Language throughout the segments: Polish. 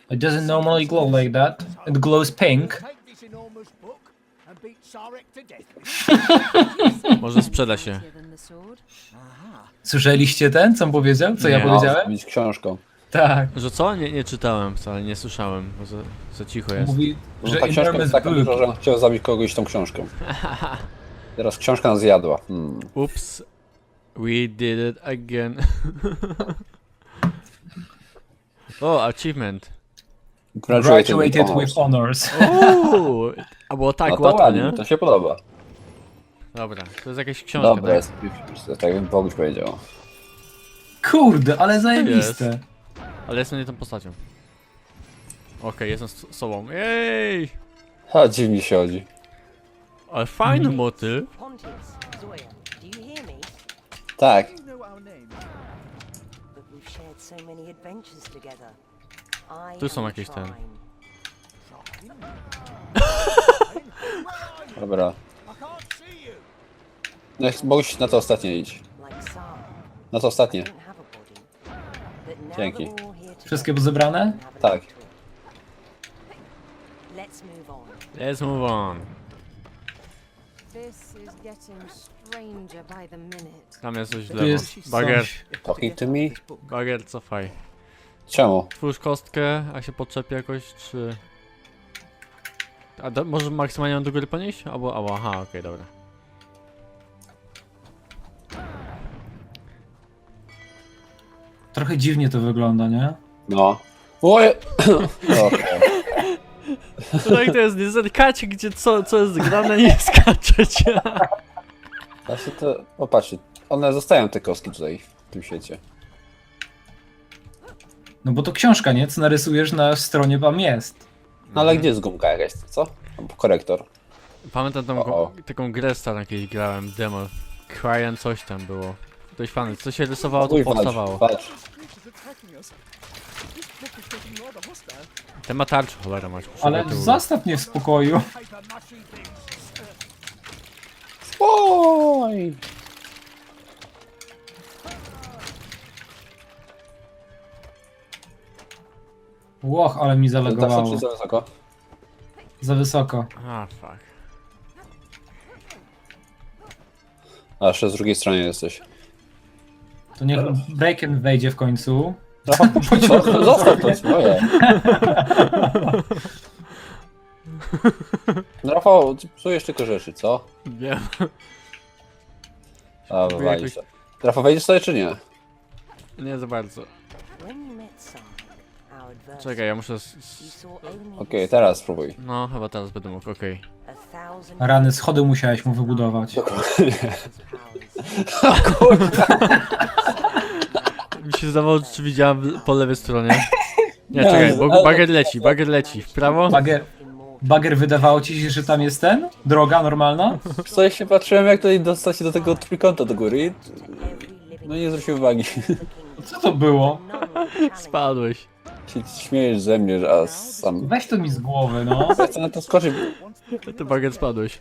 It doesn't normally glow like that. It glows pink. Może sprzeda się. Słyszeliście ten, co on powiedział? Co ja Nie. powiedziałem? Mieć książką. Tak. Że co? Nie czytałem wcale, nie słyszałem, bo za cicho jest. Mówi, No, że ta książka enormous jest taka book. duża, że on chciał zabić kogoś tą książką. Teraz książka nas zjadła. Ups. We did it again. O, achievement. Graduated with honors. Uuu, a było tak No to łatwo, ładnie, nie? to się podoba. Dobra, to jest jakaś książka, Dobra, tak? jest, tak jak Boguś powiedział. Kurde, ale zajebiste. Jest. Ale jestem nie tą postacią. Okej, jestem sobą. Jej! Ha, dziwnie się chodzi. Ale fajny motyl. Pontius, Zoya, do you hear me? Tak. But we've shared so many adventures together. Tu są jakieś ten. Dobra. No, Boguś na to ostatnie idź. Na to ostatnie. Dzięki. Wszystkie zebrane? Tak. Let's move on. This is getting stranger by the minute. Tam jest coś w Tu lewo. jest Bager, coś. Talking to me? bager, cofaj. Czemu? Twórz kostkę, a się podczepi jakoś, czy... A może maksymalnie do góry ponieść? Albo, aha, okej, dobra. Trochę dziwnie to wygląda, nie? No. Oje! Okej. Tak to jest, nie zerkacie, gdzie co jest grane, nie skaczecie. Znaczy to... Popatrzcie, one zostają te kostki tutaj, w tym świecie. No bo to książka, nie? Co narysujesz na stronie wam jest. No ale gdzie jest gumka jakaś, co? Albo korektor. Pamiętam tam O. taką grę starą jakieś grałem, demo. Cryan coś tam było. Dość fajne, co się rysowało, to Uj, powstawało. walcz. Ten ma tarczę, cholera masz. Ale zostaw mnie w spokoju. Oj! Łoch, ale mi Zawsze zalegowało. czy za wysoko? Za wysoko. A, fuck. A jeszcze z drugiej stronie jesteś. To niech Braken wejdzie w końcu. Zostaw to swoje. No Rafał, ty psujesz tylko rzeczy, co? Nie. A, wywalisz to. Rafał, wejdziesz sobie czy nie? Nie za bardzo. Czekaj, ja muszę... Okej, teraz spróbuj. No, chyba teraz będę mógł, okej. Rany, schody musiałeś mu wybudować. Mi się zdawało, czy widziałem po lewej stronie. Nie, czekaj, bo bager leci. W prawo? Bager, wydawało ci się, że tam jest ten? Droga normalna? Sobie się patrzyłem, jak tutaj dostać się do tego trójkąta do góry i... No nie zwrócił uwagi. Co to było? Spadłeś. Się śmiejesz ze mnie, że a sam... Weź to mi z głowy, no. Ja chcę na to skoczyć. Ty bager spadłeś.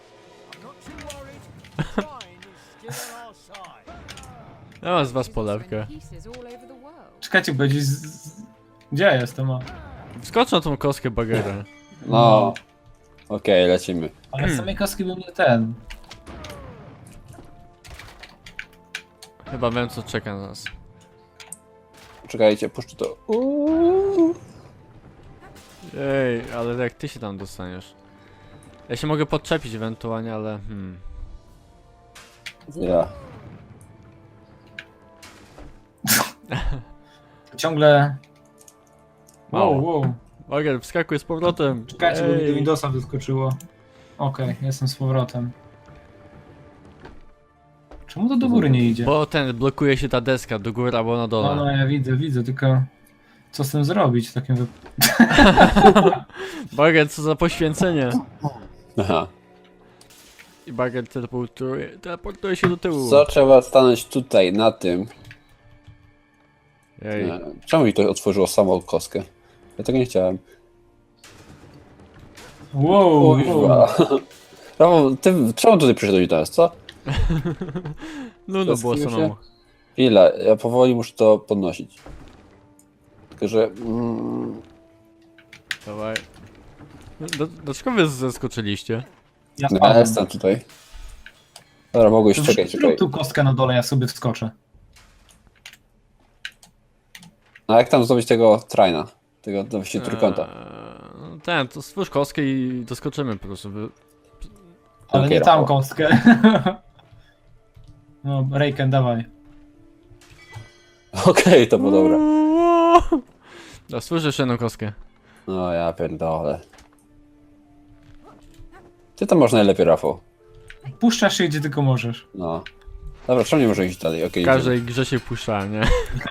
Ja mam z was polewkę. Pieces all over the world. Czekajcie, bo gdzieś gdzie ja jestem? O. Skocz na tą kostkę bagera. No. Okej, lecimy. Ale z samej kostki był nie ten. Chyba wiem, co czeka na nas. Czekajcie, puszczę to. Ej, ale jak ty się tam dostaniesz? Ja się mogę podczepić ewentualnie, ale Ja. Ciągle... Mało. Wow. Bager, wskakuj z powrotem. Czekajcie, bo mi do Ej. Windowsa wyskoczyło. Okej, jestem z powrotem. Czemu to do góry nie idzie? Bo blokuje się ta deska do góry albo na dole. No, ja widzę, tylko... Co z tym zrobić w takim wypadku? Bager, co za poświęcenie. Aha. I bager teleportuje się do tyłu. Co trzeba stanąć tutaj, na tym? Ej, Nie. Czemu mi to otworzyło samą kostkę? Ja tego nie chciałem. Wow. Rafał, ty czemu tutaj przyszedłeś do nas, co? no było Zastanów się. samemu. Chwila, ja powoli muszę to podnosić. Tylko, że... Dawaj. Dlaczego wy zeskoczyliście? Ja No, ja spadłem. jestem tutaj. Dobra, mogłeś, To czekaj. Zrób tu kostkę na dole, ja sobie wskoczę. A jak tam zdobyć tego traina? Tego właściwie trójkąta. To stwórz kostkę i doskoczymy po prostu. Ale Okej, nie tam Rafał. kostkę. No, Rejken, dawaj. Okej, to było dobre. Da, stwórz jeszcze jedną kostkę. No ja pierdolę. Ty tam masz najlepiej, Rafał. Puszczasz się gdzie tylko możesz. No. Dobra, czemu nie może iść dalej? Okej, W każdej grze się puszczałem, nie?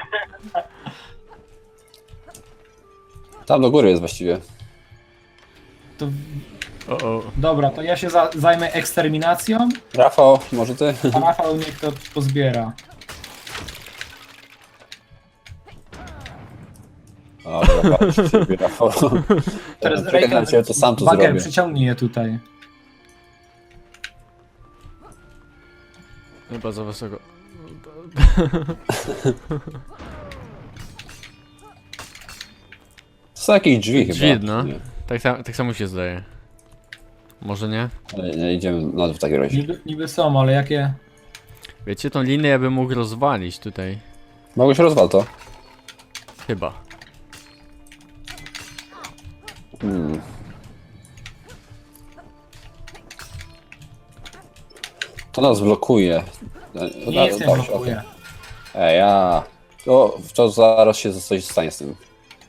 tam do góry jest właściwie. To, O. dobra, to ja się zajmę eksterminacją, Rafał, może ty? a Rafał niech to pozbiera. Dobra, patrz ciebie, Rafał. Teraz Czekaj na ciebie, to sam to Bager, zrobię. przyciągnij je tutaj. Chyba za wysoko. To są jakieś drzwi chyba. Drzwi, no. Nie, Tak samo się zdaje. Może nie? ale nie idziemy na dół w takim razie. Niby są, ale jakie... Wiecie, tą linię ja bym mógł rozwalić tutaj. Mogłeś rozwal to. Chyba. To nas blokuje. Nie jestem Dobrze, blokuje. okej. Ej, ja. To zaraz się coś stanie z tym.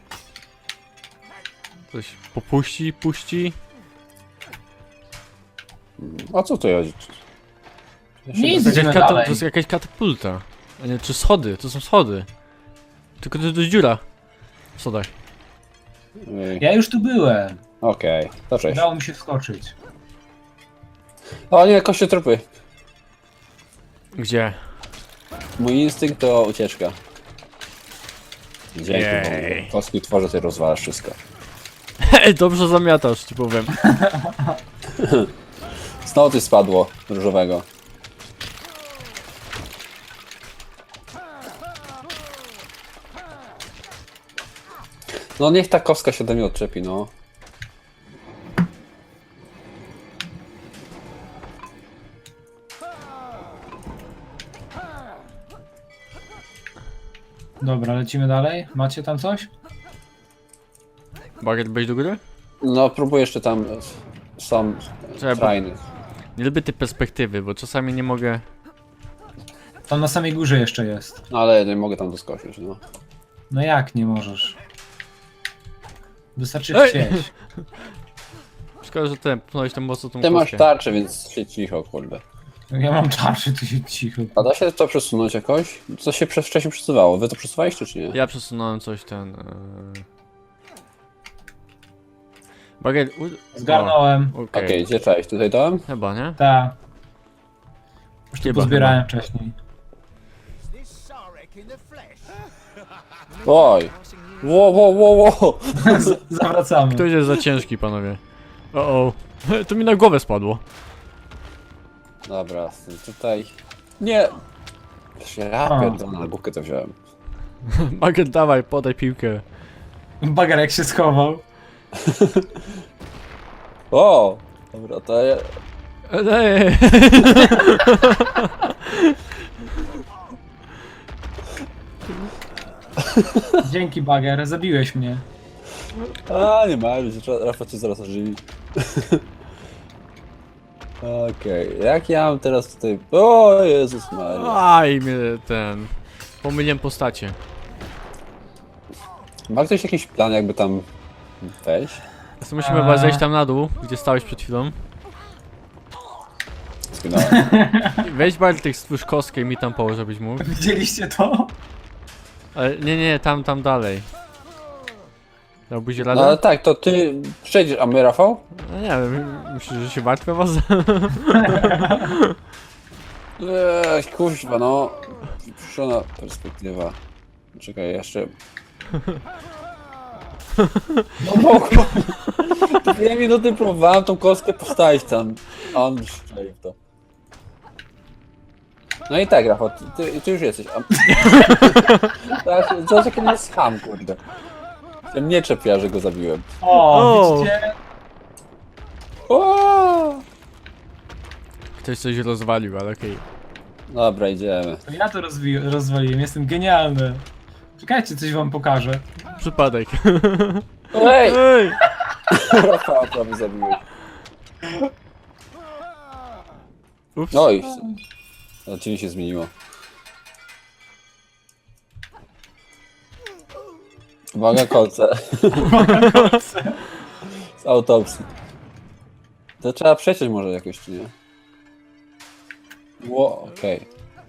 Coś puści. A co tu chodzi? Nic, To idziemy jest, dalej. to jest jakaś katapulta. A nie, czy schody? To są schody. Tylko to jest dziura. W schodach. Ja już tu byłem. Okej, to cześć. Udało mi się wskoczyć. O nie, koście trupy. Gdzie? Mój instynkt to ucieczka. Dzięki, Jej. bo kostki tworzę, ty rozwalasz wszystko. Dobrze zamiatasz, ci powiem. Znowu coś spadło różowego. No niech ta kostka się ode mnie odczepi, no. Dobra, lecimy dalej. Macie tam coś? Bagiet, wejdź do góry? No próbuję jeszcze tam są Czekaj, bo trainy. nie lubię tej perspektywy, bo czasami nie mogę... Tam na samej górze jeszcze jest. No ale nie mogę tam doskoczyć, no. No jak nie możesz? Wystarczy Ej! chcieć. Szkoda, że ty pchnąłeś tam mocno tą Ty masz kostkę. tarczę, więc się cicho, kurde. Ja mam tarczy, ty się cicho. A da się to przesunąć jakoś? Co się wcześniej przesuwało? Wy to przesuwaliście czy nie? Ja przesunąłem coś Bagiet... Zgarnąłem. Okej, gdzie cześć? Tutaj dałem? Chyba, nie? Ta. Już tu Chyba, pozbierałem wcześniej. Oj! Wo! Zawracamy. Ktoś jest za ciężki, panowie. O. To mi na głowę spadło. Dobra, tutaj... Nie! Ja A. pierdolę, na główkę to wziąłem. Bagiet, dawaj, podaj piłkę. Bager jak się schował. O! Dobra, to ja... Ej. Dzięki Bager, zabiłeś mnie. A, nie ma, Rafa cię zaraz ożywi. Okej, jak ja mam teraz tutaj... O Jezus Maria. Aj, mnie pomyliłem postacie. Ma ktoś jakiś plan, jakby tam wejść? To musimy chyba zejść tam na dół, gdzie stałeś przed chwilą. Zginąłem. Weź Bartek, stwórz kostkę i mi tam połóż, żebyś mógł. Widzieliście to? Ale nie, tam dalej. Dałbyś No radę? ale tak, to ty przejdziesz, a my Rafał? No nie wiem, myślisz, że się martwię was? Kuźwa, no. Przyszła perspektywa. Czekaj, jeszcze... No mogło. 2 minuty próbowałem tą kostkę postawić tam. A on strzelił w to. No i tak, Rafał, ty już jesteś. A... tak, co taki jest ham, kurde. Mnie czepia, że go zabiłem. O, widzicie? O! Ktoś coś rozwalił, ale okej. Dobra, idziemy. To ja to rozwaliłem, jestem genialny. Czekajcie, coś wam pokażę. Przypadek. Ej! Ej! Rafała prawie zabiłeś. Ups. Oj! No, cień się zmieniło. Uwaga, kolce. Z autopsji. To trzeba przeciąć może jakoś, czy nie? Ło, okej.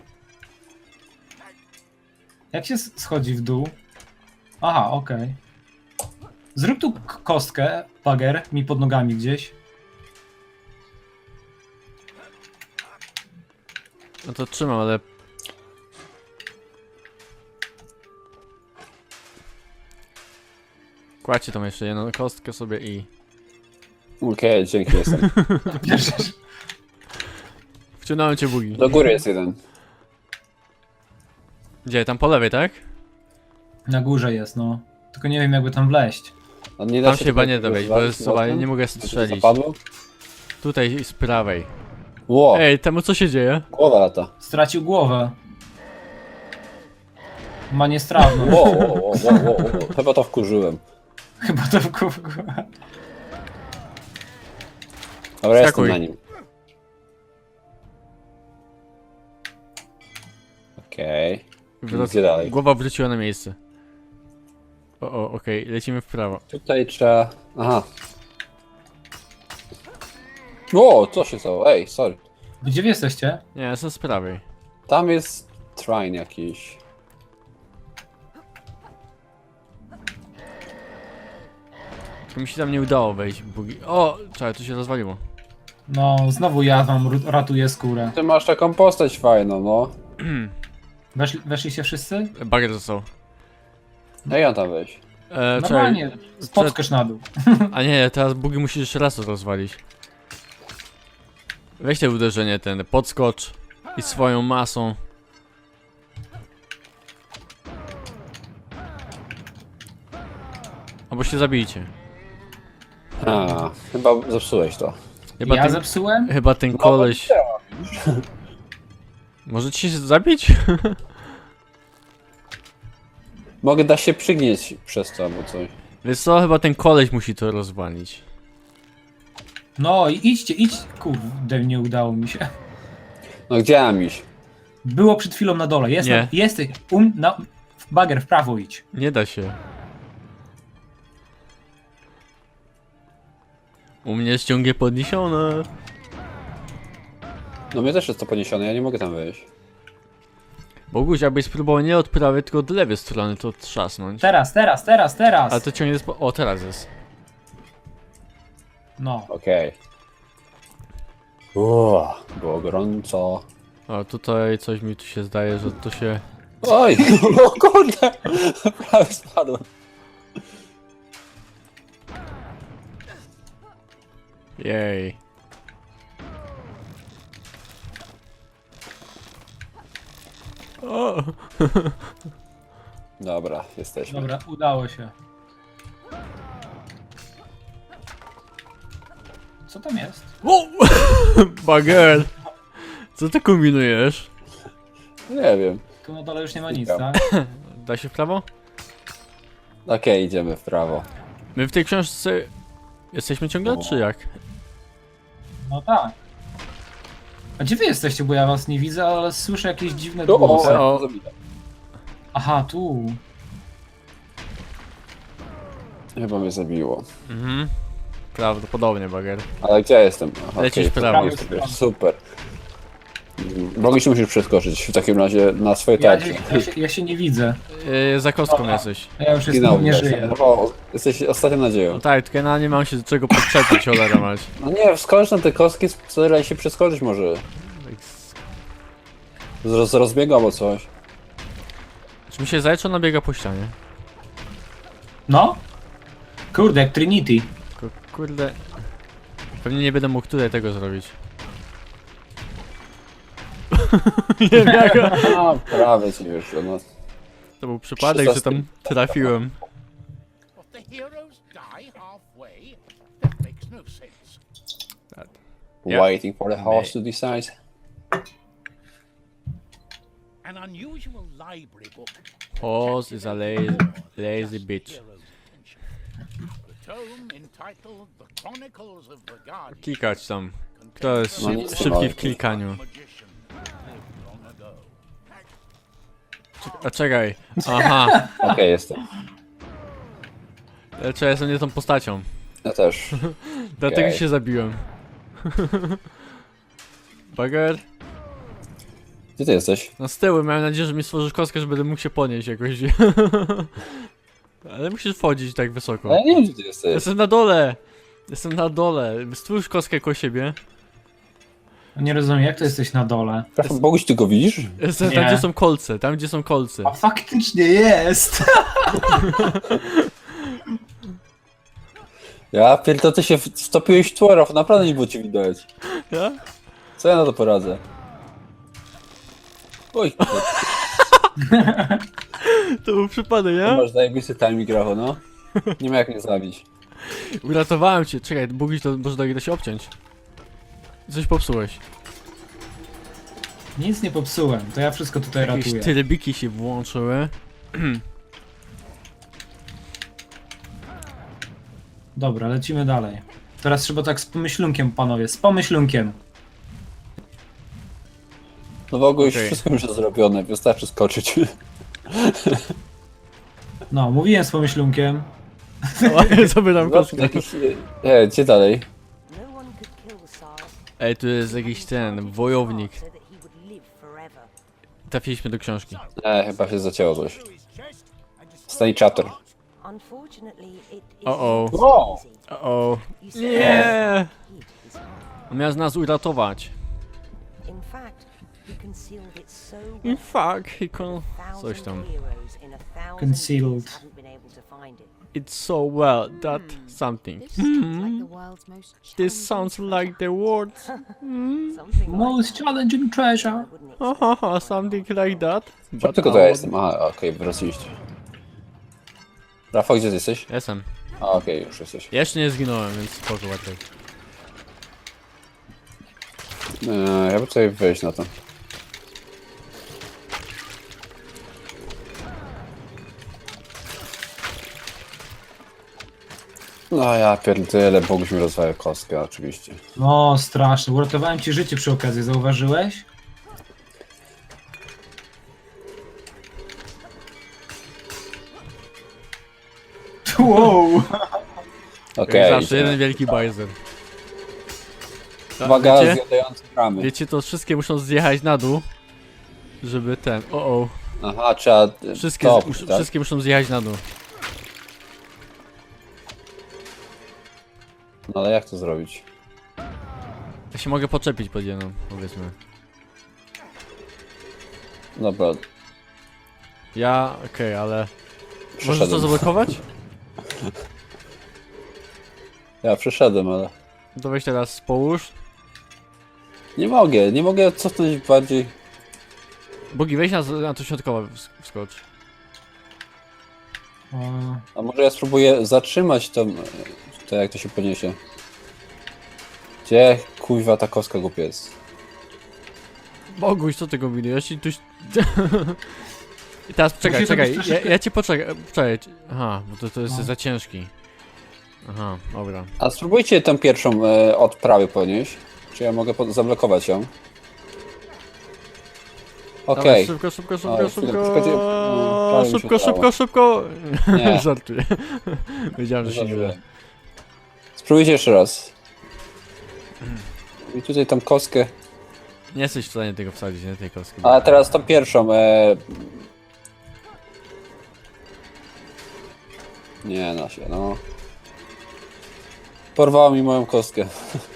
Jak się schodzi w dół? Aha, okej. Zrób tu kostkę, bager, mi pod nogami gdzieś. No to trzymam, ale... Kładźcie tam jeszcze jedną kostkę sobie i... Okej, dzięki, jestem. Bierzesz. Wciągnąłem cię, Bugi. Do góry jest jeden. Gdzie? Tam po lewej, tak? Na górze jest, no. Tylko nie wiem, jakby tam wleźć. A nie da Tam się chyba tutaj nie da wejść, bo rozwalić jest chyba mocno? nie mogę To się strzelić. zapadło? Tutaj z prawej. Ło, Ej, temu co się dzieje? głowa lata. Stracił głowę. Ma niestrawną. Ło, ło, ło, ło, ło, ło. Chyba to wkurzyłem. Chyba to w głowę. Dobra, jestem Skakuj. na nim. Okej. Gdzie dalej? Głowa wróciła na miejsce. O, okej, lecimy w prawo. Tutaj trzeba... Aha. O, co się stało? Ej, sorry. Gdzie wy jesteście? Nie, jestem z prawej. Tam jest train jakiś. To mi się tam nie udało wejść, Bugi. O, czekaj, tu się rozwaliło. No, znowu ja wam ratuję skórę. Ty masz taką postać fajną, no. Weszliście wszyscy? Bagier został. Ej, on tam weź. Czekaj, Normalnie, spotkasz na dół. a nie, teraz Bugi musisz jeszcze raz to rozwalić. Weź te uderzenie, ten podskocz i swoją masą. Albo się zabijcie. A, chyba zepsułeś to. Chyba Ja ten, zepsułem? chyba ten koleś... Może ci się zabić? Mogę da się przygnieść przez to albo coś. Wiesz co, chyba ten koleś musi to rozwalić. No i idźcie. Kurde, nie udało mi się. No gdzie mam iść? Było przed chwilą na dole. Nie. Jesteś. Bager, w prawo idź. Nie da się. U mnie ściągnie podniesione. No mnie też jest to poniesione, ja nie mogę tam wejść. Boguś, abyś spróbował nie od prawej, tylko od lewej strony to trzasnąć. Teraz. A to ciągnie o, teraz jest. No. Okej. Było gorąco. O, tutaj coś mi tu się zdaje, że to się... Oj, o kurde! Prawie spadłem. Jej. O! Dobra, jesteśmy. Dobra, udało się. Co tam jest? O! Bager! Co ty kombinujesz? Nie wiem. Tu na dole już nie ma nic, Dobra. tak? Da się w prawo? Okej, idziemy w prawo. My w tej książce jesteśmy ciągle, czy jak? No tak. A gdzie wy jesteście, bo ja was nie widzę, ale słyszę jakieś dziwne O, głosy. o. zabita. Aha, tu. Chyba mnie zabiło. Mhm. Prawdopodobnie, Bager. Ale gdzie ja jestem? Aha, Lecisz okej, w prawo. Super. Bogiś musisz przeskoczyć w takim razie na swoje Ja, tarcze. ja się nie widzę. Za kostką Dobra. jesteś. Ja już Zginął, jestem, nie żyję. O, jesteś ostatnią nadzieją. No tak, tylko ja nie mam się do czego podczepić, cholera mać. No nie, wskocz na te kostki, staraj się przeskoczyć może. Z rozbiegu albo coś. Czy mi się zdaje, czy ona biega po ścianie? No? Kurde, jak Trinity. Tylko, kurde... Pewnie nie będę mógł tutaj tego zrobić. Nie wiem jaka... A, prawie ci wyszło, no. To był przypadek, że tam trafiłem. die halfway? That makes no sense. Yeah. Waiting for the horse to decide. An unusual library book. Horse is a lazy bitch. The tome entitled The Chronicles of the Guardian. Klikać tam. Kto jest No nic nie szybki mogę. w klikaniu? Magician lived long ago. A czekaj. Aha. Okej, jestem. Czy ja jestem nie tą postacią. Ja też. Dlatego Okej. się zabiłem. Bagger? Gdzie ty jesteś? No z tyłu, miałem nadzieję, że mi stworzysz kostkę, że będę mógł się podnieść jakoś. Ale musisz wchodzić tak wysoko. Ale ja nie wiem, gdzie ty jesteś. Jestem na dole! Jestem na dole. Stwórz kostkę koło siebie. Nie rozumiem, jak to jesteś na dole? Rafał, Boguś, ty go widzisz? Jestem Nie. tam, gdzie są kolce. Tam, gdzie są kolce. A faktycznie jest! Ja pierdolę, ty się wtopiłeś w tło, Rafał, naprawdę nie było cię widać. Ja? Co ja na to poradzę? Oj, To był przypadek, to ja? masz zajebisty timing, Rafał, no. Nie ma jak mnie zabić. Uratowałem cię. Czekaj, Bugiś, to może da się obciąć. Coś popsułeś. Nic nie popsułem, to ja wszystko tutaj Jakieś ratuję. trybiki się włączyły. Dobra, lecimy dalej. Teraz trzeba tak z pomyślunkiem, panowie, z pomyślunkiem. No Boguś, Okej. wszystko już jest zrobione, wystarczy skoczyć. No, mówiłem z pomyślunkiem. Sobie tam kostkę. Jakiś... gdzie dalej? No one could kill Sar. Ej, tu jest jakiś ten, wojownik. So that he would live forever. Trafiliśmy do książki. Chyba się zacięło coś. Stanichator. Unfortunately, it is O-o. O! O. You see, Nie! hid his heart. On miał z nas uratować. In fact, he concealed it so In well fact, he con... that Coś tam. heroes in a thousand Concealed. years hadn't been able to find it. It's so well that something. This sounds like the world's most This challenging sounds like the words. Something like Most that, challenging treasure. wouldn't it? Haha, something like that. Co tylko to ja jestem? Aha, okej, wróciliście. Rafał, gdzie ty jesteś? Jestem. A, okej, już jesteś. Jeszcze nie zginąłem, więc spoko łatwiej. Ja bym tutaj wejść na to. No ja pierdolę, Boguś mi rozwala kostkę, oczywiście. No, straszne. Uratowałem ci życie przy okazji, zauważyłeś? Wow! Okej, Zawsze jeden wielki bajzer. uwaga, Wiecie? zjadający ramy. Wiecie, to wszystkie muszą zjechać na dół, żeby ten... O. Aha, trzeba... Wszystkie, top, tak? wszystkie muszą zjechać na dół. No ale jak to zrobić? Ja się mogę podczepić pod jedną, powiedzmy. Dobra, Ja... Okej, ale... Możesz to przeszedłem. zablokować? Ja przeszedłem, ale... To weź teraz połóż. Nie mogę cofnąć bardziej... Bogi, weź na to środkowe wskocz. O, A może ja spróbuję zatrzymać to jak to się podniesie. Gdzie kuźwa ta kostka głupiec? Boguś, co ty kombinujesz? I tuś... I teraz czekaj, Musisz czekaj, zrobić ja, troszeczkę- ja ci poczekaj. Aha, bo to jest za ciężki. Aha, dobra. A spróbujcie tę pierwszą od prawej podnieść. Czy ja mogę zablokować ją? Dawaj, Okej. szybko, szybko, O, szybko, chwilę, szybko. tylko no, prawie mi się Szybko, udało. szybko, szybko. Nie. Żartuję. Wiedziałem, że się nie uda. Spróbujcie jeszcze raz. I tutaj tą kostkę. Nie jesteś w stanie tego wsadzić, nie tej kostki. A teraz tą pierwszą. Nie da się, no. Porwała mi moją kostkę.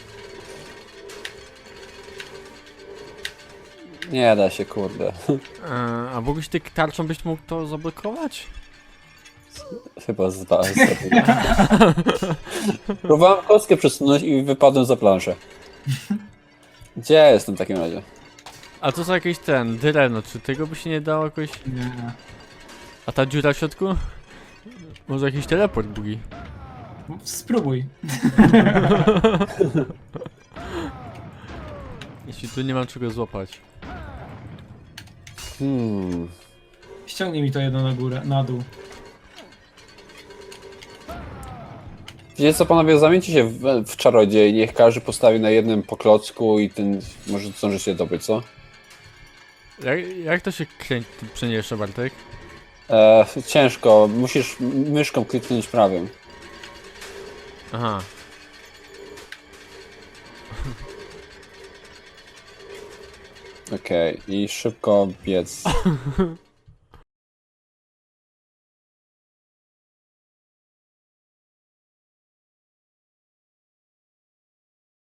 Nie da się, kurde. A Boguś, ty tarczą byś mógł to zablokować? Chyba próbowałem kostkę przesunąć i wypadłem za planszę. Gdzie ja jestem w takim razie? A to są jakieś drewno, czy tego by się nie dało jakoś... nie. A ta dziura w środku? Może jakiś teleport, Bugi? Spróbuj. Jeśli tu nie mam czego złapać. Ściągnij mi to jedno na górę, na dół. Wiecie co, panowie, zamieńcie się w czarodziej, niech każdy postawi na jednym poklocku i ten może zdążycie dobyć, co? Jak to się przeniesiesz, Bartek? Ciężko, musisz myszką kliknąć prawym. Aha. Okej, i szybko biec.